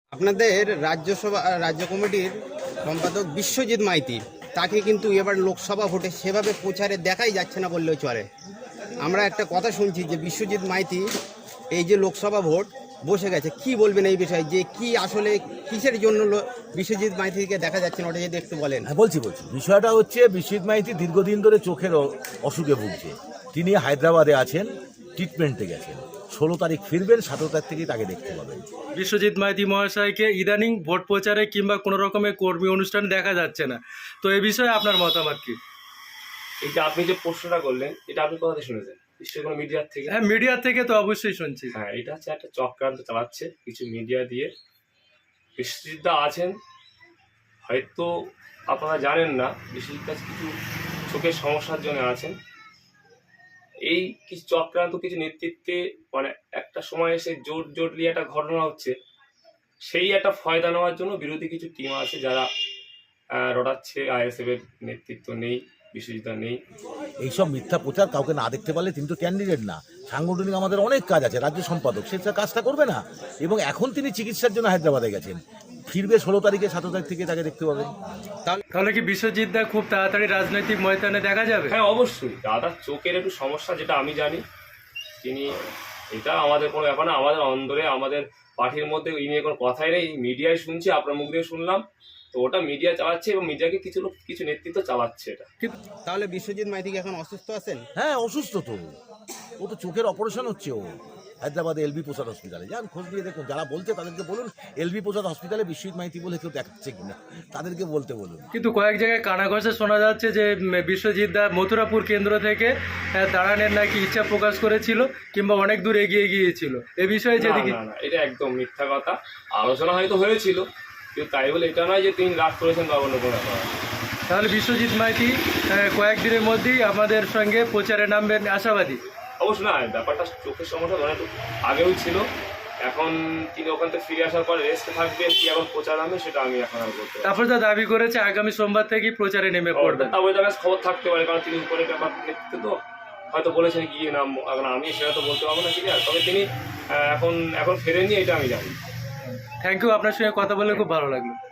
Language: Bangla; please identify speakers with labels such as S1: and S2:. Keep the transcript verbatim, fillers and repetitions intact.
S1: আপনাদের রাজ্যসভা রাজ্য কমিটির সম্পাদক বিশ্বজিৎ মাইতি তাকে কিন্তু এবার লোকসভা ভোটে সেভাবে প্রচারে দেখাই যাচ্ছে না বললেও চলে। আমরা একটা কথা শুনছি যে বিশ্বজিৎ মাইতি এই যে লোকসভা ভোট বসে গেছে, কি বলবেন এই বিষয়ে, যে কি আসলে কিসের জন্য বিশ্বজিৎ মাইতিকে দেখা যাচ্ছে না, ওটা যদি একটু বলেন।
S2: হ্যাঁ বলছি বলছি বিষয়টা হচ্ছে বিশ্বজিৎ মাইতি দীর্ঘদিন ধরে চোখের অসুখে ভুগছে। তিনি হায়দ্রাবাদে আছেন, ট্রিটমেন্টে গেছেন। ষোলো তারিখ ফিরবেন, সতেরো তারিখ থেকেই তাকে দেখতে পাবেন।
S3: বিশ্বজিৎ মাইতি মহাশয়কে ইদানিং ভোট প্রচারে কিংবা কোনো রকমের কর্মী অনুষ্ঠানে দেখা যাচ্ছে না, তো এ বিষয়ে আপনার মতামত কি?
S4: এই যে আপনি যে প্রশ্নটা করলেন, এটা আপনি কোথা থেকে শুনেছেন? নিশ্চয়ই কোনো মিডিয়ার থেকে।
S3: হ্যাঁ, মিডিয়া থেকে তো অবশ্যই শুনছি।
S4: হ্যাঁ, এটা হচ্ছে একটা চক্রান্ত চালাচ্ছে কিছু মিডিয়া দিয়ে। বিশ্বজিৎদা আছেন, হয়তো আপনারা জানেন না, বিশ্বজিৎদা কিছু চোখের সমস্যার জন্য আছেন। এই কিছু চক্রান্ত কিছু নেতৃত্বে মানে একটা সময় এসে জোট জোটলি একটা ঘটনা হচ্ছে, সেই একটা ফয়দা নেওয়ার জন্য বিরোধী কিছু টিম আছে যারা রটাচ্ছে। আইএসএফ এর নেতৃত্ব নেই, বিশ্বজিৎদা নেই।
S2: এইসব মিথ্যা প্রচার কাউকে না দেখতে পারলে তিনি তো ক্যান্ডিডেট না। সাংগঠনিক আমাদের অনেক কাজ আছে, রাজ্য সম্পাদক সে কাজটা করবে না। এবং এখন তিনি চিকিৎসার জন্য হায়দ্রাবাদে গেছেন, ফিরবে ষোলো তারিখে, সতেরো তারিখ থেকে তাকে দেখতে পাবেন।
S3: তাহলে কি বিশ্বজিৎদা খুব তাড়াতাড়ি রাজনৈতিক ময়দানে দেখা যাবে?
S4: হ্যাঁ অবশ্যই। দাদার চোখের একটু সমস্যা, যেটা আমি জানি। তিনি, এটা আমাদের কোনো ব্যাপার না, আমাদের অন্দরে আমাদের পার্টির মধ্যে এই নিয়ে কোনো কথাই নেই। মিডিয়ায় শুনছি, আপনার মুখ দিয়ে শুনলাম, তো ওটা মিডিয়া চালাচ্ছে এবং মিডিয়াকে কিছু লোক কিছু নেতৃত্ব চালাচ্ছে এটা।
S1: তাহলে বিশ্বজিৎ মাইতি এখন অসুস্থ আছেন?
S2: হ্যাঁ অসুস্থ তো, ও তো চোখের অপারেশন হচ্ছে। ও হায়দ্রাবাদে এলবি প্রসাদ হসপিটালে যান, খোঁজ দিয়ে দেখুন। যারা বলছে তাদেরকে বলুন এলবি প্রসাদ হসপিটালে বিশ্বজিৎ মাইতি বলে কেউ দেখাচ্ছে কিনা, তাদেরকে বলতে বলুন।
S3: কিন্তু কয়েক জায়গায় কানাঘষে শোনা যাচ্ছে যে বিশ্বজিৎদা মথুরাপুর কেন্দ্র থেকে দাঁড়ানোর নাকি ইচ্ছা প্রকাশ করেছিল কিংবা অনেক দূর এগিয়ে গিয়েছিল। এ বিষয়ে যদি
S4: না না, এটা একদম মিথ্যা কথা। আলোচনা হয়তো হয়েছিল, কিন্তু তাই বলে এটা নয় যে তিনি রাগ করেছেন বা অন্য কোনো ব্যাপার।
S3: তাহলে বিশ্বজিৎ মাইতি কয়েকদিনের মধ্যেই আমাদের সঙ্গে প্রচারে নামবেন আশাবাদী?
S4: অবশ্য না, ব্যাপারটা চোখের সমস্যা ধরে আগেও ছিল। এখন তিনি ওখান থেকে ফিরে আসার পরে রেস্টে থাকবেন, কি এখন প্রচার নামবে সেটা আমি এখন আর বলতে পারি।
S3: তারপর যা দাবি করেছে আগামী সোমবার থেকেই প্রচারে নেমে পড়বেন।
S4: তা ওই জায়গায় খবর থাকতে পারে, কারণ তিনি উপরে ব্যাপার নেতৃত্ব তো হয়তো বলেছেন গিয়ে নাম। এখন আমি সেটা তো বলতে পারবো না ক্লিয়ার, তবে তিনি এখন এখন ফেরেননি, এটা আমি জানি।
S3: থ্যাংক ইউ, আপনার সঙ্গে কথা বলে খুব ভালো লাগলো।